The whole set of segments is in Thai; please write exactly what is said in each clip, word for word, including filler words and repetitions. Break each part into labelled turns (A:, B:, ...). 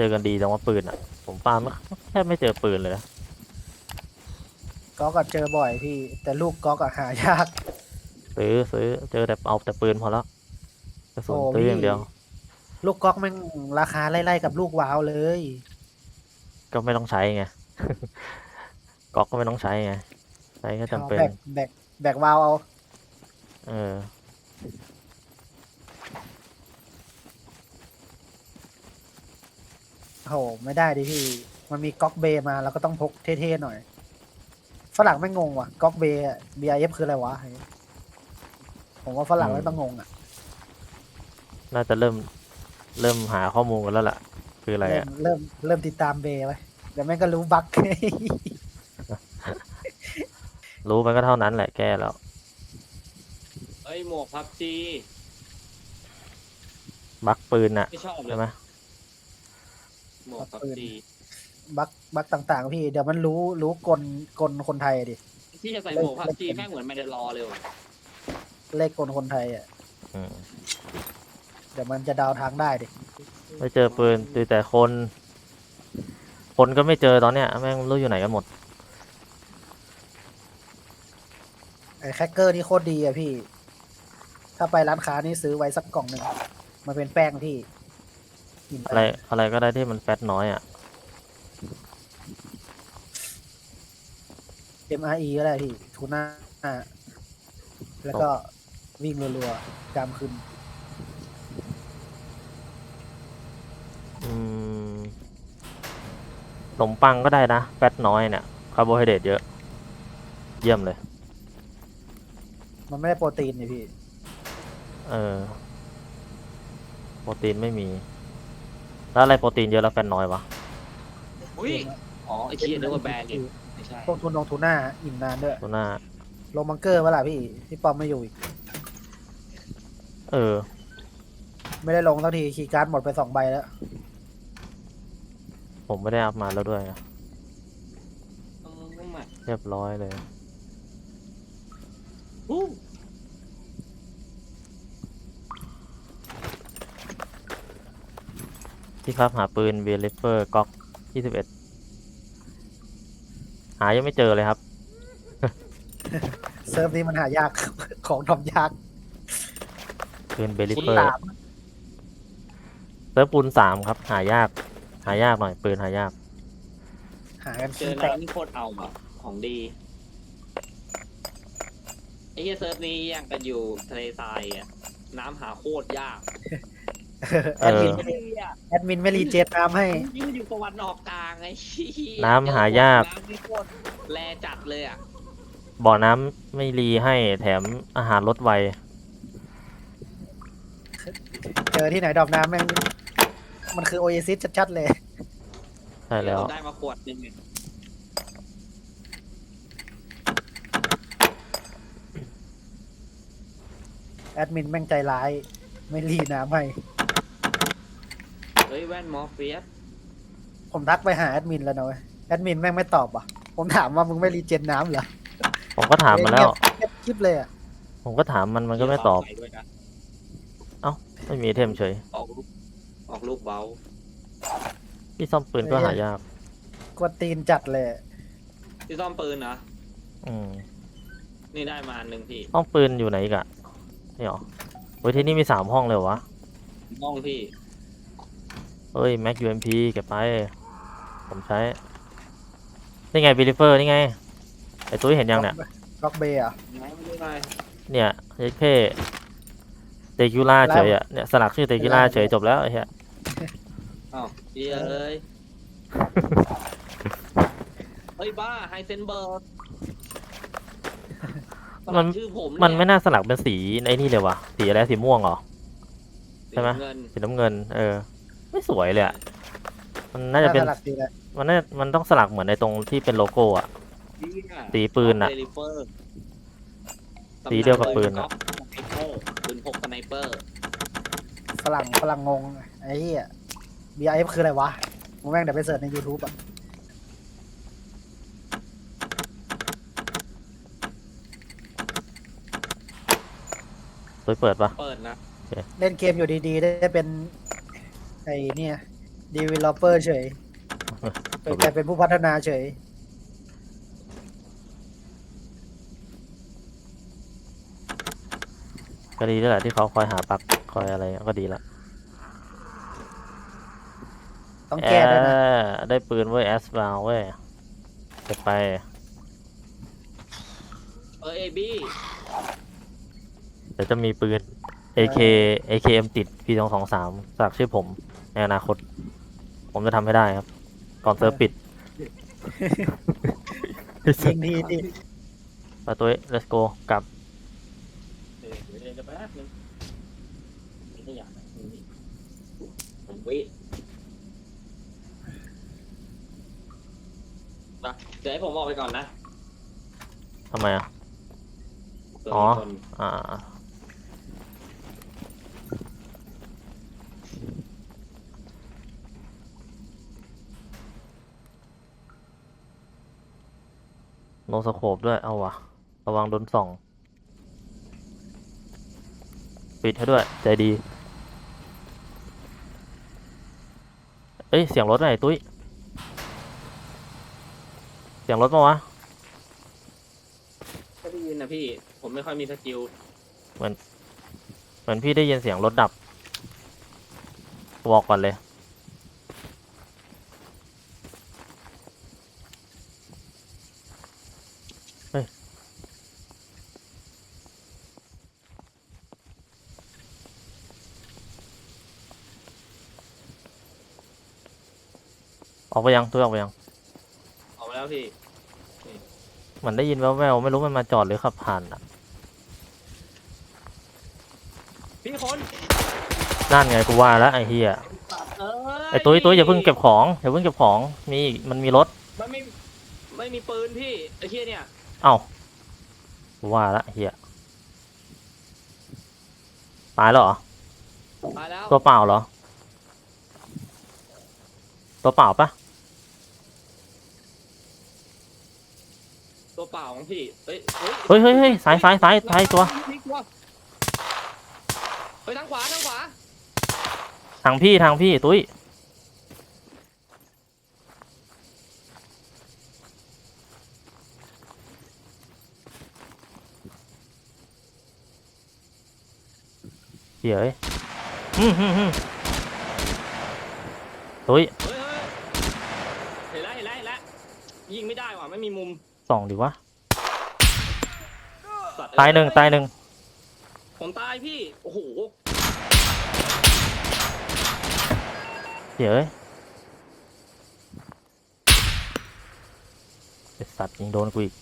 A: อกันดีจังว่าปืนอ่ะผมฟาร์มแทบไม่เจอปืนเลยนะ
B: ก๊อกอะเจอบ่อยพี่ แต่ลูกก๊อกอะหายาก
A: ซื้อซื้อเจอแต่เอาแต่ปืนพอแล้วกระสุ
B: โอ้
A: นซื้ออ
B: พี่
A: ย่างเดียว
B: ลูกก๊อกแม่งราคาไล่ๆกับลูกว้าวเลย
A: ก็ไม่ต้องใช้ไง ก๊อกก็ไม่ต้องใช้ไงใช้แค่
B: ชอ
A: จำเป็น
B: บแบกแบกแบกว้าวเอา
A: เออ
B: โหไม่ได้ดิพี่ มันมีก๊อกเบย์มาเราก็ต้องพกเท่ๆหน่อย ฝรั่งไม่งงว่ะก๊อกเบย์ บี ไอ เอฟ คืออะไรวะ ผมว่าฝรั่งไม่ต้องงงอ่ะ
A: น่าจะเริ่มเริ่มหาข้อมูลกันแล้วล่ะคืออะไร
B: เริ่ม
A: อ่ะ
B: เริ่มเริ่มติดตามเบย์ไปเดี๋ยวแม่งก็รู้บั๊ก
A: รู้มันก็เท่านั้นแหละแก้แล้ว
C: เอ้ยหมวกพับจี
A: บักปืนน่ะ
C: ไม่ชอบเล
A: ใช่
C: ย
A: ไหม
C: หมวกพับจี
B: บั๊กบั๊กต่างๆ พี่เดี๋ยวมันรู้รู้กลกลคนไทยดิ
C: ที่จะใส่หมวกพับจีแม่งเหมือนไม่ได้รอเลยว่ะ
B: เลขกลคนไทยอ่ะ
A: อืม
B: เดี๋ยวมันจะเดาทางได้ดิ
A: ไม่เจอปืนเจอแต่คน คนก็ไม่เจอตอนเนี้ยแม่งไม่รู้อยู่ไหนกันหมด
B: ไอ้แคคเกอร์นี่โคตรดีอะพี่ ถ้าไปร้านค้านี่ซื้อไว้สักกล่องหนึ่งมันเป็นแป้งที่กิน
A: อะไรอะไรก็ได้ที่มันแฟตน้อยอ่ะ
B: เอ็มอาร์อีก็ได้พี่ทูน่าแล้วก็วิ่งรัวๆจามขึ้น
A: อืมขนมปังก็ได้นะแฟตน้อยเนี่ยคาร์โบไฮเดรตเยอะ เยี่ยมเลย
B: มันไม่ได้โปรตีนนี่พี่
A: เออโปรตีนไม่มี แล้วอะไรโปรตีนเยอะแล้วแฟตน้อยวะ
C: อุ้ยอ๋อไอ้เคียนึกว่าแบรนด์เนี่ยไม่ใช่
B: พวกทุนนงทูน่าอิ่มนานด้วย
A: ตัวหน้า
B: ลงบังเกอร์เวล่ะพี่พี่ปอมไม่อยู่อีก
A: เออ
B: ไม่ได้ลงสักทีคีย์การ์ดหมดไปสองใบแล้ว
A: ผมไม่ได้อัพมาแล้วด้วย
C: เออไม่มา
A: เรียบร้อยเลย
C: อู้
A: ที่ครับหาปืนเวลิเฟอร์ก๊อกยี่สิบเอ็ดหายังไม่เจอเลยครับ
B: เซิร์ฟนี้มันหายาก ของทำยาก
A: ปืนเวลิ
C: คุณ
A: เฟอร์
C: หลาม
A: เซิร์ฟปูนสามครับ หายาก หายากหน่อยปืนหายาก
B: หากัน
C: เจ
B: ขี้
C: อ
B: แตก
C: น้ำนี่โคตรเอาอ่ะของดีไอ้เหี้ยเซิร์ฟนี้ยังกันอยู่ทะเลทรายอ่ะน้ำหาโคตรยาก
B: แอดมิน
A: เออ
B: ไม่ได้
C: เหี้ย
B: แอดมินไม่รีเจนน้ำให้
C: ยิ่งอยู่ตะวันออกกลางไอ้เหี้ย
A: น้ำหายาก
C: น้ำนี่โคตรแลจัดเลยอ่ะ
A: บ่อน้ำไม่รีให้แถมอาหารลดไว
B: เจอที่ไหนดอกน้ำแม่งมันคือโอเอซิสชัดๆเลย
A: ใช่แล้ว
C: ได้มาขวดหนึงเนี่ย
B: แอดมินแม่งใจร้าย ไม่รีน้ำให้
C: เฮ้ยแว่นมอร์เฟียส
B: ผมทักไปหาแอดมินแล้วนะเว้ยแอดมินแม่งไม่ตอบอ่ะ ผมถามว่ามึงไม่รีเจนน้ำเหรอ
A: ผมก็ถามมาแล้ว
B: เงียบคลิปเลยอ่ะ
A: ผมก็ถามมันมันก็ไม่ตอบ
C: ใส่ด้วยนะ
A: ไม่มีไอเทมเฉย
C: ออกลูกออกลูกเบา
A: ที่ซ่อมปืนก็หายาก
B: กวนตีนจัดเลย
C: ที่ซ่อมปืนนะ
A: อืม
C: นี่ได้มาอันหนึ่งพี่
A: ห้องปืนอยู่ไหนอีกอะนี่หรอเฮ้ยที่นี่มีสามห้องเลยเหรอวะ
C: ห้องพี่
A: เฮ้ยแม็กยูเอ็มพีเก็บไป ผมใช้ นี่ไงบิลิเฟอร์นี่ไง ไอตุ้ยเห็นยังเนี่ย
B: ล็อกเบย์อ่ะ
C: ไหนไม่ได้ไง
A: เนี่ยเอเคเตกิล่าเฉยอะเนี่ยสลักชื่อเตกิล่าเฉยจบแล้วไอ้เหี้ย
C: อ้าวเหี้ยเอ้ย เฮ้ยบ้าไฮเซนเบิร์ก
A: มัน
C: ชื่อผม
A: มันไม่น่าสลักเป็นสีไอ้นี่เลยวะสีอะไรสีม่วงเหรอ ใช่ไหม
C: เงิน
A: สีน้ำเงิน เออ ไม่สวยเลยอะมันน่าจะเป็น
B: สลักดีเลย
A: มันน่ามันต้องสลักเหมือนในตรงที่เป็นโลโก้อะ สีปืนน่ะ
C: เดลิเฟอร์
A: สีเดียวกับปืนน่ะ
C: สไนเปอร์ปืนพกสไนเปอร์
B: ฝรั่งฝรั่งงง ไอ้เหี้ย บี ไอ เอฟ คืออะไรวะมึงแม่งเดี๋ยวไปเสิร์ชใน YouTube อ่ะ
A: ตุ้ยเปิดปะ
C: เปิดนะ
B: เล่นเกมอยู่ดีๆ ได้เป็น ไอ้เนี่ยดีเวลลอปเปอร์เฉยเป็นกลายเป็นผู้พัฒนาเฉย
A: ก็ดีด้วยแหละที่เขาคอยหาปักคอยอะไรก็ดีละ
B: ต้องแก้ด้วยนะ
A: เออได้ปืนเว้ยแอสบาวเว้ยเก็บไป
C: เออเอบี้
A: เดี๋ยวจะมีปืน เอ เค เอ เค เอ็ม ติด พี สอง สอง สามจากชื่อผมในอนาคต ผมจะทำให้ได้ครับ ก่อนเซิร์ฟปิด
B: ยิงทีดิ
A: ไปตัว let's go กลับ
C: เออเดี๋ยวเดี๋ยวแป๊บนึงไม่ได้อยากนะผมวินะเดี๋ยวให้ผมออกไปก่อนนะ
A: ทำไมอ่ะ
C: ตัว
A: อ๋อ
C: มีคน
A: อ่า โนสโคปด้วย เอาวะ ระวังโดนส่อง ปิดให้ด้วย ใจดี เอ้ย เสียงรถไหนตุ้ย เสียงรถมาวะ
C: ก็ได้ยินนะพี่ ผมไม่ค่อยมีสกิล
A: เหมือนพี่ได้ยินเสียงรถดับ บอกก่อนเลย เฮ้ย ออกไปยังตัวออกไปยัง
C: ออกมาแล้วพี่
A: เหมือนได้ยินแว่วๆไม่รู้มันมาจอดหรือขับผ่านอ่ะ
C: พี่คน
A: นั่นไงกูว่าแล้วไอ้เฮีย
C: เอ้ย
A: ไอ้ตุ้ยตุ้ยอย่าเพิ่งเก็บของอย่าเพิ่งเก็บของมีอีกมันมีรถ
C: มันไม่ไม่มีปืนพี่ไอ้เหี้ยเนี่ย
A: เอ้ากูว่าแล้วไอ้เฮียตายแล้วเหรอ
C: ตายแล้ว
A: ตัวเปล่าเหรอ ตัวเปล่าปะ
C: ตัวเปล่าของพี่เฮ้ยเฮ้ย
A: เฮ้ยเฮ้ยเฮ้ยซ้ายซ้ายซ้ายซ้ายตัว
C: ไปทางขวาทางขวา
A: ทางพี่ทางพี่ตุ้ยเดี๋ยวเอ้ยอืมอืมอืมตุ้ย
C: เฮ้ยเฮ้ยเห็นแล้วเห็นแล้วเห็นแล้วยิงไม่ได้ว่ะไม่มีมุม
A: ส่องดิวะ
C: สัตว์
A: ตายหนึ่งตายหนึ่ง
C: ผมตายพี่โอ้โห
A: เดี๋ยวเอ้ยไอ้สัตว์ยิงโดนกูอีก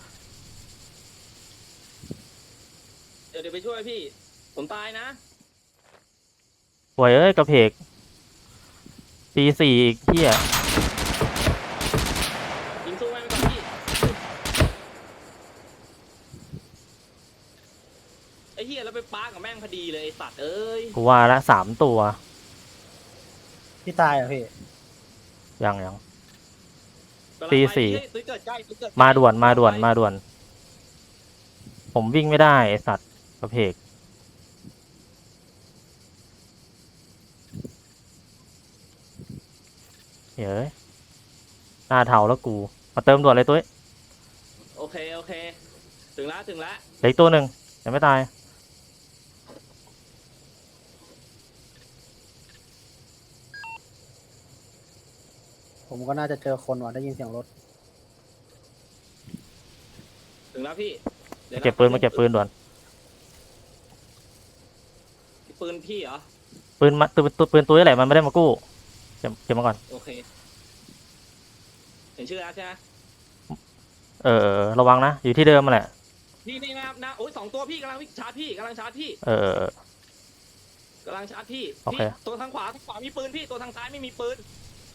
C: เดี๋ยวเดี๋ยวไปช่วยพี่ ผมตายนะ
A: หวยเอ้ยกระเพกปีสี่อีกเฮีย
C: ยิงสู้แม่งไปก่อนพี่ไอ้เหี้ยแล้วไปปากับแม่งพอดีเลยไอ้สัตว์เอ้ย
A: กูว่าละสามตัว
B: พี่ตายเหรอพี่
A: ยังยัง
C: กำลัง
A: ตี
C: ไป
A: สี่
C: เฮ้ยตุ้ยเกิดใกล้ตุ้ยเกิดใกล้
A: มาด่วนมาด่วน
C: ไป
A: มาด่วน ผมวิ่งไม่ได้ไอสัตว์กระเพกเฮ้ยหน้าเทาแล้วกู มาเติมด่วนเลยตุ้ย
C: โอเคโอเค ถึงแล้วถึงแล้ว
A: เหลืออีกตัวหนึ่งยังไม่ตาย
B: ผมก็น่าจะเจอคนว่ะได้ยินเสียงรถ
C: ถึงแล้วพี่ดี๋ยวะ
A: เก็บปืนมาเก็บปืนด่วน
C: ปืนพี่เหรอ
A: ปืนมาปืนปืนปืนตุ้ยอะไรมันไม่ได้มากู้เก็บเก็บมาก่อน
C: โอเคเห็นชื่อแล้วใช่ไหม
A: เออเออระวังนะ อยู่ที่เดิมมาแหละ
C: นี่นี่นะครับนะโอ้ยสองตัวพี่กำลังวิ่งชาร์จพี่กำลังชาร์จพี่
A: เออเออเออก
C: ำลังชาร์จพี่
A: โอเค
C: พี่ตัวทางขวาทางขวามีปืนพี่ตัวทางซ้ายไม่มีปืน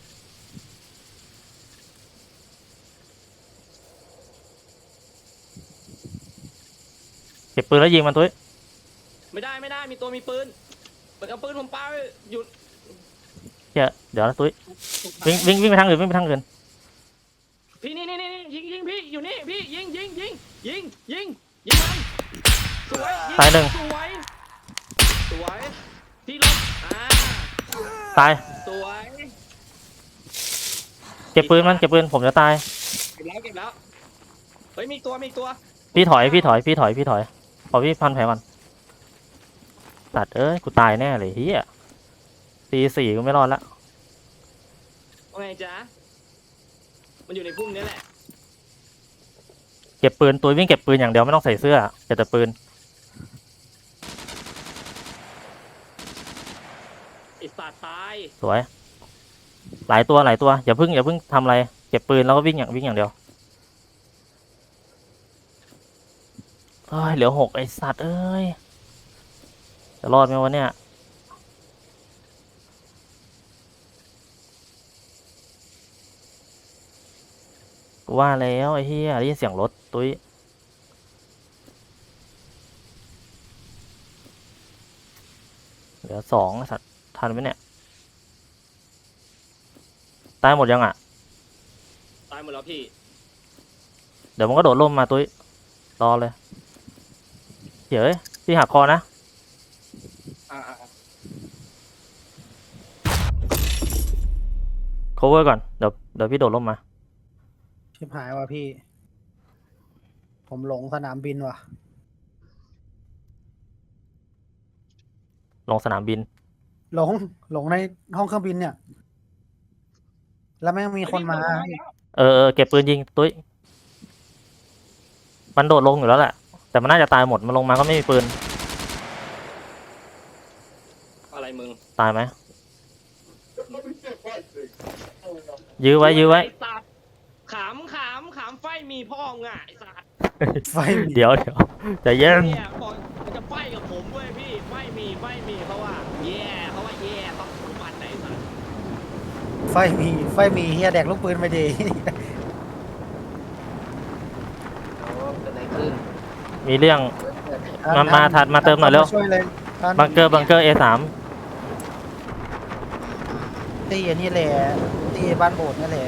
A: เก็บปืนแล้วยิงมันตุ้ย
C: ไม่ได้ไม่ได้มีตัวมีปืนเปิดเอาปืนผมปาไปหยุด
A: เดี๋ยวเดี๋ยวนะตุ้ยวิ่งวิ่งวิ่งไปทางอื่นวิ่งไปทางอื่น
C: พี่นี่นี่นี่นี่ยิงยิงพี่อยู่นี่พี่ยิงยิงยิงยิงยิงยิงมันสวยยิ
A: ตายหนึ่ง
C: สวยสวยพี่ลบอ่า
A: ตาย
C: สวย
A: ตเก็บปืนมันเก็บปืนผมจะตาย
C: เก็บแล้วเก็บแล้วเฮ้ยมีตัวมีตัว
A: พี่ถอยพี่ถอยพี่ถอยพี่ถอยพอพี่พันแผลมันตัดเอ้ยกูตายแน่เลยเฮียตีสี่ก็ไม่รอดละ
C: ว่าไงจ๊ะมันอยู่ในพุ่มนี้แหละ
A: เก็บปืนตัววิ่งเก็บปืนอย่างเดียวไม่ต้องใส่เสื้อเก็บแต่ปืน
C: ไอสัตว์ตาย
A: สวย หลายตัวหลายตัวอย่าเพิ่งอย่าเพิ่งทำอะไรเก็บปืนแล้วก็วิ่งอย่างวิ่งอย่างเดียวเอ้ยเหลือหกไอสัตว์เอ้ยจะรอดไหมวะเนี่ยกูว่าแล้วไอ้เหี้ยได้ยินเสียงรถตุ้ยเหลือสองไอ้สัตว์ทันไหมเนี่ยตายหมดยังอ่ะ
C: ตายหมดแล้วพี่
A: เดี๋ยวมันก็โดดร่มมาตุ้ยรอเลยเดี๋ยวเอ้ยพี่หักคอนะ
C: อ่า
A: cover ก่อนเดี๋ยวเดี๋ยวพี่โดดร่มมา
B: ชิบหายว่ะพี่ ผมหลงสนามบินว่ะ
A: ลงสนามบิน
B: หลงหลงในห้องเครื่องบินเนี่ย แล้วแม่งมีคนมาพี่
A: เออเออเก็บปืนยิงตุ้ยมันโดดลงอยู่แล้วแหละแต่มันน่าจะตายหมดมันลงมาก็ไม่มีปืน
C: อะไรมึง
A: ตายไหมยื้อไว้ยื้อไว้
C: ไอสัตว์ขำขำขำไฟมีพ่อมึงอ่ะไอสัตว์
B: ไฟมี
A: เดี๋ยวเดี๋ยวใจเย็น
C: เนี่ยบอกมันจะไฟกับผมเว้ยพี่ไฟมีไฟมีเพราะว่าแย่เพราะว่าแย่ต้องทุกวันไหนสัตว์
B: ไฟมีไฟมีเฮียแดกลูกปืนไปดี
D: โอ้เกิดอะไรขึ้น
A: มีเรื่อง มามาถัดมาเติมหน่อยเร็ว
B: ช่วยเลยท่าน
A: บังเกอร์บังเกอร์ เอ สาม
B: ตีอันนี้แหละตีบ้านโบสถ์นี่แหละ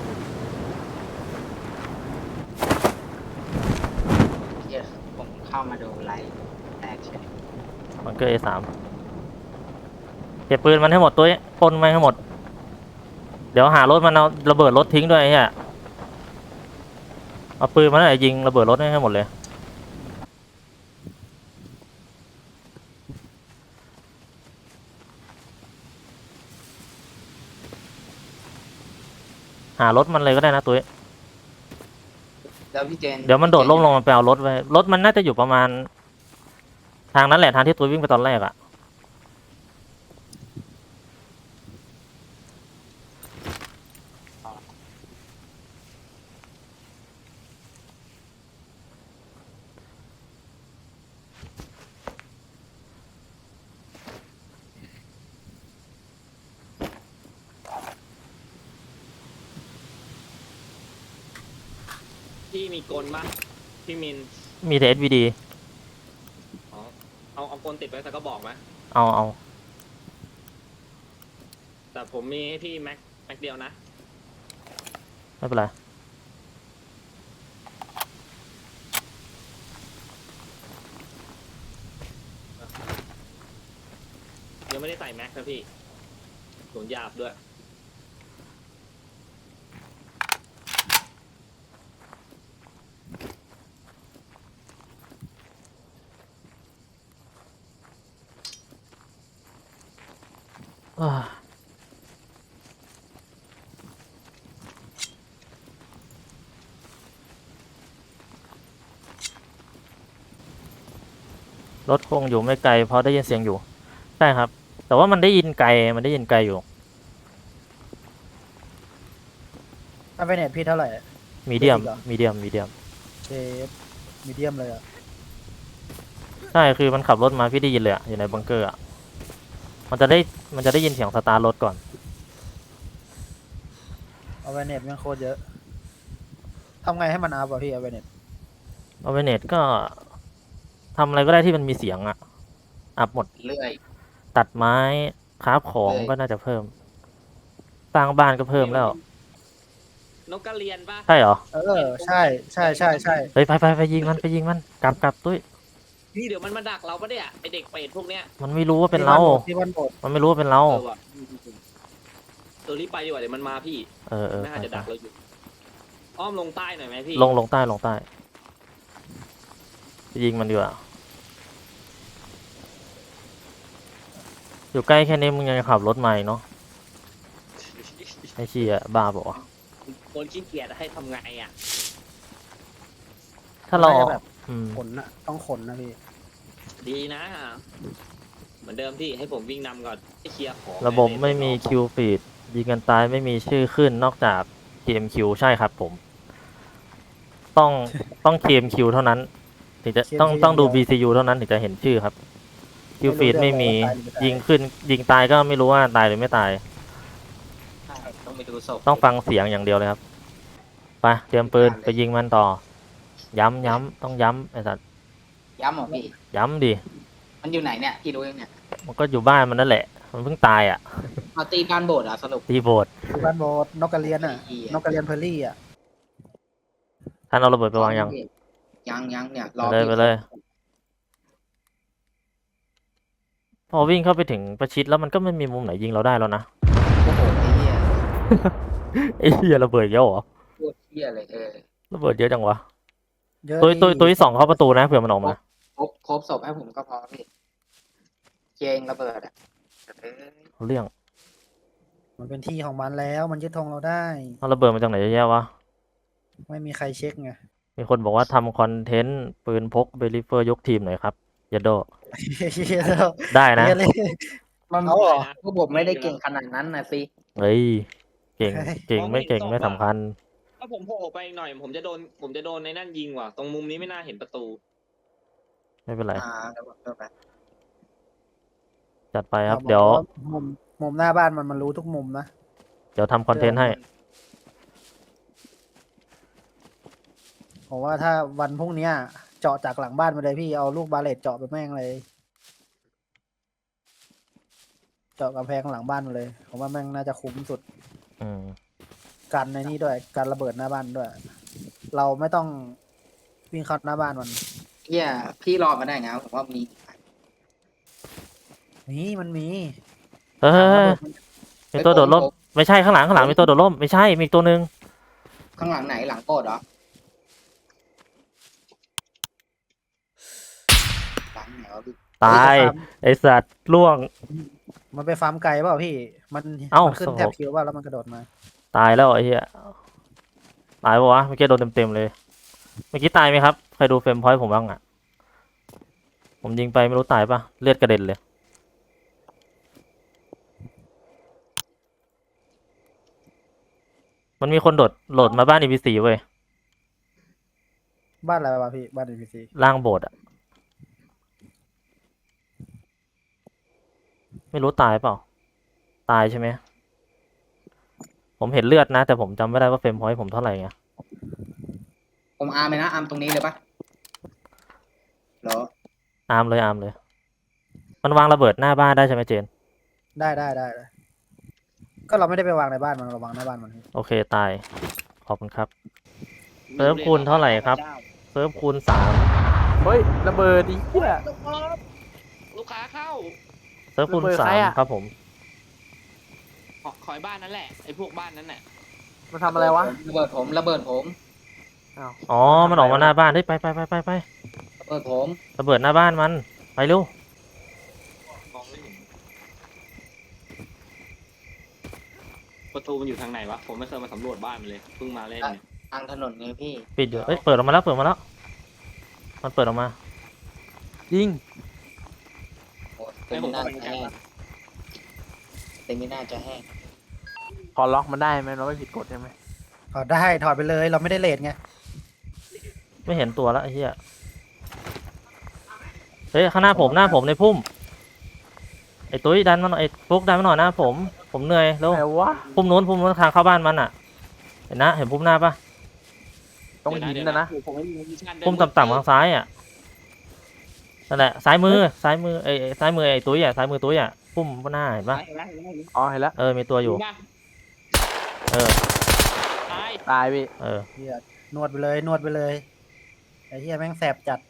D: เดี๋ยวผมเข้ามาดูไลฟ์แตกเฉย
A: บังเกอร์ เอ สาม เก็บปืนมันให้หมดตุ้ยปนมันให้หมดเดี๋ยวหารถมันเอาระเบิดรถทิ้งด้วยไอ้เหี้ยเอาปืนมันอะไรยิงระเบิดรถให้หมดเลยหารถมันเลยก็ได้นะตุ้ย
D: แล้วพี่เจน
A: เดี๋ยวมันโดดล่มลงมาไปเอารถไว้รถมันน่าจะอยู่ประมาณ ทางนั้นแหละทางที่ตุ้ยวิ่งไปตอนแรกอะ
C: พี่มีกลปะพี่มิน
A: มีแต่ เอส วี ดี
C: อ๋อเอาเอากลติดไว้สักก็บอกไหม
A: เอาเอา
C: แต่ผมมีให้พี่แม็กแม็กเดียวนะ
A: ไม่เป็นไร
C: ยังไม่ได้ใส่แม็กนะพี่สูญหยาบด้วย
A: อ่า รถคงอยู่ไม่ไกลเพราะได้ยินเสียงอยู่ใช่ครับ แต่ว่ามันได้ยินไกลมันได้ยินไกลอยู่
B: ถ้าไปเน็ตพี่เท่าไหร่
A: มีเดียม
B: อีกเหรอ
A: มีเดียมมีเดียม
B: เชฟมีเดียมเลยอ่ะ
A: ใช่คือมันขับรถมาพี่ได้ยินเลยอะอยู่ในบังเกอร์อะมันจะได้มันจะได้ยินเสียงสตาร์ทรถก่อน
B: เอาไปเน็ตแม่งโคตรเยอะทำไงให้มันอัพอ่ะพี่เอาไปเน็ต
A: เอาไปเน็ตก็ทำอะไรก็ได้ที่มันมีเสียงอะอัพหมด
D: เลื่อย
A: ตัดไม้คราฟของ
D: เลย
A: ก็น่าจะเพิ่มสร้างบ้านก็เพิ่มแล้ว
C: นกกระเรียนปะ
A: ใช่เหรอ
B: เออใช่ใช่ใช่ใช่
A: เฮ้ยไปไปไปยิงมันไปยิงมันกลับกลับตุ้ย
C: พี่เดี๋ยวมันมาดักเราปะเนี่ยไอเด็กเปรตพวกเนี้ย
A: มันไม่รู้ว่าเป็นเรา
B: ที่บ้านโบสถ์
A: มันไม่รู้ว่าเป็นเรา
C: เออว่ะเออรีบไปดีกว่าเดี๋ยวมันมาพี่
A: เออเออ
C: น่าจะดักเราอยู่อ้อมลงใต้หน่อยไหมพี่
A: ลงลงใต้ลงใต้ไปยิงมันดีกว่าอยู่ใกล้แค่นี้มึงยังจะขับรถมาอีกเนาะไอ้เชี่ยบ้าบอกว่าวะ
C: คนขี้เกียจให้ทำไงอ่ะ
A: ถ้าเรา
B: น่จะแบบ
A: อืม
B: ขนอะต้องขนนะพี่
C: ดีนะ เหมือนเดิมที่ให้ผมวิ่งนำก่อนให้เคลียร์ของ
A: ระบบไม่มีคิวฟีดยิงกันตายไม่มีชื่อขึ้นนอกจาก ที เอ็ม คิว ใช่ครับผม ต้องต้อง ที เอ็ม คิว เท่านั้นถึงจะ
B: ที เอ็ม คิว
A: ต้องต้องดู
B: อย่างเดี
A: บี
B: ยว
A: ซี ยู เท่านั้นถึงจะเห็นชื่อครับคิว
B: ไม่รู้
A: ฟีด
B: เรื่อง
A: ไม่มี
B: เลยว่าตายหรือไม่ตาย
A: ยิงขึ้น ยิงตายก็ไม่รู้ว่าตายหรือไม่ตาย
D: ใช่ต้องไปดูศพ
A: ต้องฟังเสียงอย่างเดียวเลยครับไปเตรียมปืนไปยิงมันต่อ ย้ำย้ำต้องย้ำไอ้สัตว์
D: ย้ำเหรอพี่
A: ย้ำดิ
D: มันอยู่ไหนเนี่ยพี่รู้ยังเนี่ย
A: มันก็อยู่บ้านมันนั่นแหละ มันเพิ่งตายอ่ะ
D: เอาตีการโบดเหรอ่ะสรุป
A: ตีโบด
B: คือบ้านโบสนกกระเรียนอะ
D: ไอ้เหี้ย
B: นกกระเรียนเพอร์รี่อะ
A: ท่านเอาระเบิดไปวางยัง
D: ยังยังเนี่ยร
A: ไป
D: อ
A: เลย
D: พี่
A: ไปเลย พอวิ่งเข้าไปถึงประชิดแล้วมันก็ไม่มีมุมไหนยิงเราได้แล้วนะ
D: โอ้โหไอ้เหี้ย
A: ไอ้เหี้ยระเบิดเยอะเหรอ
D: โคตรเหี้ยเลยเออ
A: ระเบิดเยอะจังวะ
B: เยอะ
A: ตัวตัว
B: ที่
A: ตัวที่สองเข้าประตูนะเผื่อมันออกมา
D: ครบครบศพให้ผมก็พอพี่เจงระเบิดอ่ะเออ
A: เอาเรื่อง
B: มันเป็นที่ของมันแล้วมันยึดธงเราได้
A: เอาระเบิดมาจากไหนเยอะแยะวะ
B: ไม่มีใครเช็คไง
A: มีคนบอกว่าทำคอนเทนต์ปืนพกเบลิเฟอร์ยกทีมหน่อยครับยัดโด ได้นะ
B: เหี้ยเลย
D: มัน
B: เอาเหรอ
D: พวกผมไม่ได้เก่งขนาดนั้นนะสิ
A: เฮ้ย เก่ง
B: เฮ้ย
A: เก่งไม่เก่งไม่สำคัญ
C: ถ้าผมโผล่ไปอีกหน่อย ผมจะโดนผมจะโดนในนั่นยิงว่ะตรงมุมนี้ไม่น่าเห็นประตู
A: ไม่เป็นไร
D: อ่าระเบิดระเบิด
A: จัดไปครับ
B: อาอก
A: เดี๋ยว
B: มุมมุมหน้าบ้านมันมันรู้ทุกมุมนะ
A: เดี๋ยวทำคอนเทนต์ให้
B: ผมว่าถ้าวันพรุ่งเนี้ย เจาะจากหลังบ้านมาเลยพี่เอาลูกบาเลตเจาะไปแม่งเลย เจาะกำแพงหลังบ้านมาเลยผมว่าแม่งน่าจะคุ้มสุด
A: อืม
B: กันในนี้ด้วยการระเบิดหน้าบ้านด้วย เราไม่ต้องวิ่งเข้าหน้าบ้านมัน
D: เหี้ยพี่รอมาได้ไงผมว่ามี
B: นี่มันมี
A: เฮ้ย
B: ระเบิดมัน
A: มีตัวโดดร่ม ไม่ใช่ข้างหลังข้างหลังมีตัวโดดร่ม ไม่ใช่ มีอีกตัวหนึ่ง
D: ข้างหลังไหนหลังโกดเหรอหลังไหนวะพี่
A: ตาย ไอสัตว์ล่วง
B: มันไปฟาร์มไก่เปล่าพี่ มัน
A: เอ้า
B: มันขึ้น
A: โอ้โห
B: แถบคิวว่าแล้วมันกระโดดมา
A: ตายแล้วไอ้เหี้ย ตายปะวะ เมื่อกี้โดนเต็มๆเลย เมื่อกี้ตายไหมครับ ใครดูเฟรมพอยต์ผมบ้างอ่ะ ผมยิงไปไม่รู้ตายปะเลือดกระเด็นเลย มันมีคนโดดโหลดมาบ้าน อี พี ซี เว้ย
B: บ้านอะไรวะพี่ บ้านอีพีซี
A: ล่างโบสถ์อะไม่รู้ตายเปล่า ตายใช่ไหม ผมเห็นเลือดนะ แต่ผมจำไม่ได้ว่าเฟรมพอยต์ผมเท่าไหร่ไง
D: ผมอาร์มเลยนะอาร์มตรงนี้เลยปะเหรอ
A: อาร์มเลยอาร์มเลย มันวางระเบิดหน้าบ้านได้ใช่ไหมเจน
B: ได้ได้ได้ได้ก็เราไม่ได้ไปวางในบ้านมันเราวางหน้าบ้านมัน
A: โอเคตาย ขอบคุณครับ เซิร์ฟคูณเท่าไหร่ครับ เซิร์ฟคูณสาม
E: เฮ้ยระเบิดดิเหี้ย
C: ลูกค้าเข้า
A: เซิร์ฟคูณ
E: ระเบิด
A: สา
E: ใคร
A: ม
E: อะ
A: ครับผม
C: ขอคอยบ้านนั่นแหละไอ้พวกบ้านนั้นน่ะ
E: มันทำอะไรวะ
D: ระเบิดผมระเบิดผม
A: อ๋อ มันออกมาหน้าบ้าน เฮ้ยไปไปไปไปไประ
D: เบิดผม
A: ระเบิดหน้าบ้านมัน ไปเร็ว
C: มองไม่เห็นประตูมันอยู่ทางไหนวะผมไม่เคยมาสำรวจบ้านมันเลยเพิ่งมาเล่นเนี่ย
D: ทางถนนไงพี่
A: ปิดอยู่เอ้ย เปิดออกมาแล้ว เปิดมาแล้ว มันเปิดออกมา
E: ยิง
D: โอ้เต็มหน้าจะแห้งเต็มหน้าจะแห้ง
E: พอล็อกมันได้ไหมเราไม่ผิดกฎใช่ไหม
B: ถอดได้ถอดไปเลยเราไม่ได้เลทไง
A: ไม่เห็นตัวแล้วไอ้เหี้ย เฮ้ย ข้างหน้าผม หน้าผมในพุ่ม ไอ้ตุ้ยดันมาหน่อย ไอ้ฟุกดันมาหน่อยหน้าผม ผมเหนื่อยแล้ว
E: ไหนวะ
A: พุ่มนู้นพุ่มนู้นทางเข้าบ้านมันอ่ะ เห็นนะ เห็นพุ่มหน้าปะ
E: ต้องหินนะนะ
C: ผมไม่มีวิชั่นเดิน
A: พุ่มต่ำๆทางซ้ายอ่ะ นั่นแหละ ซ้ายมือ ซ้ายมือไอ้ไอ้ซ้ายมือไอ้ตุ้ยอ่ะ ซ้ายมือตุ้ยอ่ะ พุ่มหน้าเห็นปะ
C: เห็นแล้วเห็นแล้วเห็นแล้ว
E: อ๋อเห็นแล้ว
A: เออ มีตัวอยู่
C: ยิงปะ
A: เออ
C: ตาย
E: ตายพี่
A: เออ
B: เฮียนวดไปเลยนวดไปเลยไอ้เฮียแม่งแสบจัด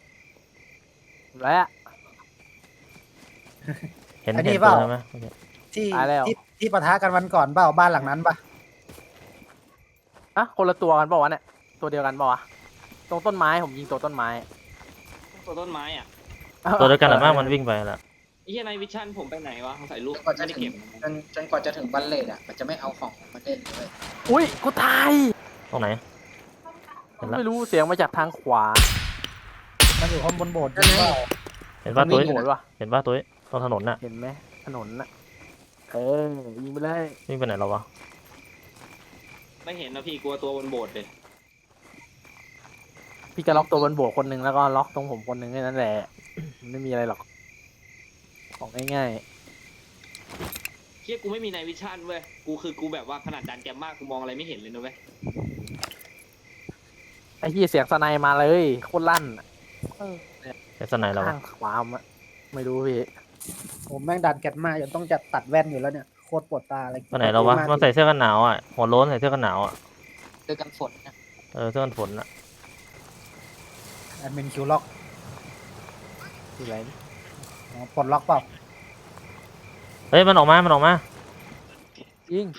E: แล้ว
A: เห็น
B: อันนี้
A: เห็น
B: เป
A: ตัว
B: ล่า
A: ใช่ไหมโอเค
B: ที่
E: ตายแล้ว
B: ที่ที่ปะทะกันวันก่อนเปล่าบ้านหลังนั้นปะ
E: อะคนละตัวกันเปล่าวะเนี่ยตัวเดียวกันเปล่าวะตรงต้นไม้ผมยิงตัวต้นไม้
C: ตัวต้นไม้อ่ะ
A: ตัวเดียวกันหรือมากมันวิ่งไปละ
C: ไอ้เหี้ยในวิชั่นผมไปไหนวะสงสัยลูก
D: จนกว่าจะ
C: ไม่ได้
D: ถึง
C: เก็บ
D: จนจนกว่าจะถึงบัลเลตอ่ะ มันจะไม่เอาของมาเล่นเลย
E: อุ้ยกูตาย
A: ตรงไหน เห็นละ
E: ไม่รู้เสียงมาจากทางขวา
B: มันอยู่ข้างบนโบสถ์จริงเปล่า
A: เห็นป่ะตุ้ย
E: โหดว่ะ
A: เห็นป่ะตุ้ยตรงถนนน่ะ
E: เห็นไหมถนนน่ะเออยิงไปเลย
A: วิ่งไปไหนแล้ววะ
C: ไม่เห็นนะพี่กลัวตัวบนโบสถ์เลย
E: พี่จะล็อกตัวบนโบกคนหนึ่งแล้วก็ล็อกตรงผมคนหนึ่งแค่นั้นแหละมันไม่มีอะไรหรอกของง่าย
C: เฮียกูไม่มีในวิชั่นเว้ยกูคือกูแบบว่าขนาดดันแกมมากกูมองอะไรไม่เห็นเลยนะเว้ย
E: ๆไอ้ที่เสียงสไนมาเลยโคตรลั่นอะ
A: เห็นสไนแล้ววะ
E: ข้างขวาอะไม่รู้พี่
B: ผมแม่งดันแกตมาจนต้องจัดตัดแว่นอยู่แล้วเนี่ยโคตรปวดตาอะไร
A: ไปไหนแล้ววะมันใส่เสื้อกันหนาวอ่ะหัวโล้นใส่เสื้อกันหนาวอ่ะ
D: เจอกันฝนนะ
A: เออเสื้อกันฝนอ่ะ
B: แอดมินคิวล็อก
E: ที่ไรนี่
B: อ๋อปลดล็อกเปล่า
A: เฮ้ยมันออกมามันออกมา
E: ยิง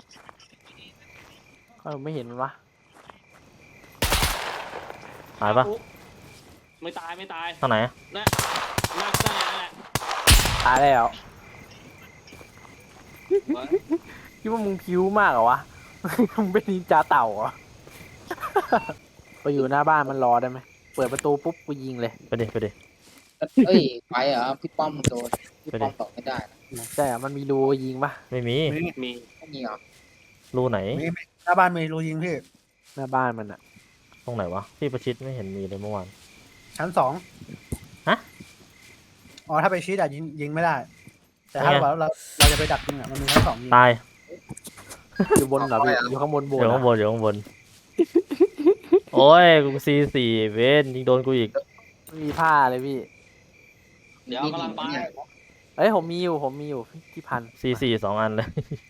E: เออไม่เห็นมันวะ
A: ตายปะ
C: ไม่ตายไม่ตาย
A: ทางไหน
C: นะน่าน่าแหละ
E: ตายแล้ว
C: วะ
E: คิดว่ามึงพิ้วมากเหรอวะ มึงเป็นนินจาเต่าเหรอ ไปอยู่หน้าบ้านมันรอได้ไหมเปิดประตูปุ๊บกูยิงเลย
A: ไปดิไปดิ
D: เอ้ย ไปเหรอพี่ป้อมโดน พี่ป้อมตอบไม่ได้นะ
E: ใช่อะมันมีรูยิงปะ
A: ไม่มี
C: มี
D: ไม่มีเหรอ
A: รูไหน
B: มีมีหน้าบ้านมีรูยิงพี่
E: หน้าบ้านมันอะ
A: ตรงไหนวะที่ประชิดไม่เห็นมีเลยเมื่อวาน
B: ชั้นสอง
A: ฮะ
B: อ๋อถ้าไปชีดอะยิงยิงไม่ได้ แต่ถ้า
A: เนี่ย
B: เราเราเราจะไปดักยิงอะมันมีชั้นสองยิง
A: ตาย
E: อยู่บนเหรอพี่อยู่ข้างบนโบ
A: เดี๋ยว
E: น
A: ข้างบนเดี๋ยวข้างบน โอ้ยกูซีสี่เวนยิงโดนกูอีก
E: ไม่มีผ้าเลยพี่
C: เดี๋ยวกำลังไป
E: เอ้ยผมมีอยู่ผมมีอยู่ที่พัน
A: ซีสี่สองอันเลย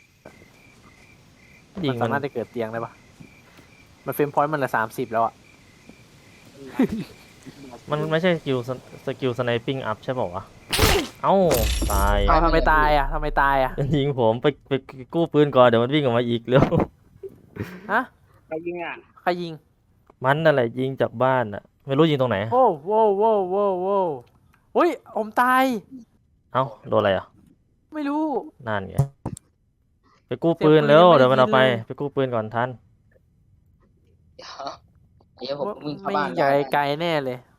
A: ยิ
E: มั
A: ง
E: น
A: มั
E: สาน มารถจะเกิดเตียงได้ปะมันเฟรมพอยต์มันละสามสิบแล้วอะ
A: มันไม่ใช่สกิลสสกิลสไนปิ้งอัพใช่ป่าวะ เอ้าตาย
E: เอาทำไมตายอะทำไมตายอะ
A: ยิงผมไปไปกู้ปืนก่อนเดี๋ยวมันวิ่งออกมาอีกเร็ว
E: ฮะ
C: ใครยิงอ่ะ
E: ใครยิง
A: มันนั่นแหละยิงจากบ้านอ่ะ ไม่รู้ยิงตรงไหน
E: โว้วโว้วโว้วโว้วโว้วอุ้ยผมตาย
A: เอ้าโดนอะไรอ่ะ
E: ไม่รู้
A: นั่นไงไปกู้ปืน
E: เสียงปืน
A: เร็ว
E: ยังไม่ได้
A: เดี๋ยวมันเอาไป
E: ยินเลย
A: ไปกู้ปืนก่อนทัน
D: เดี๋ยวเดี๋ยวผมวิ่งเข้า
E: ไม่
D: บ้าน
E: ยิงจาก
D: ได้
E: ไกลๆแน่เลย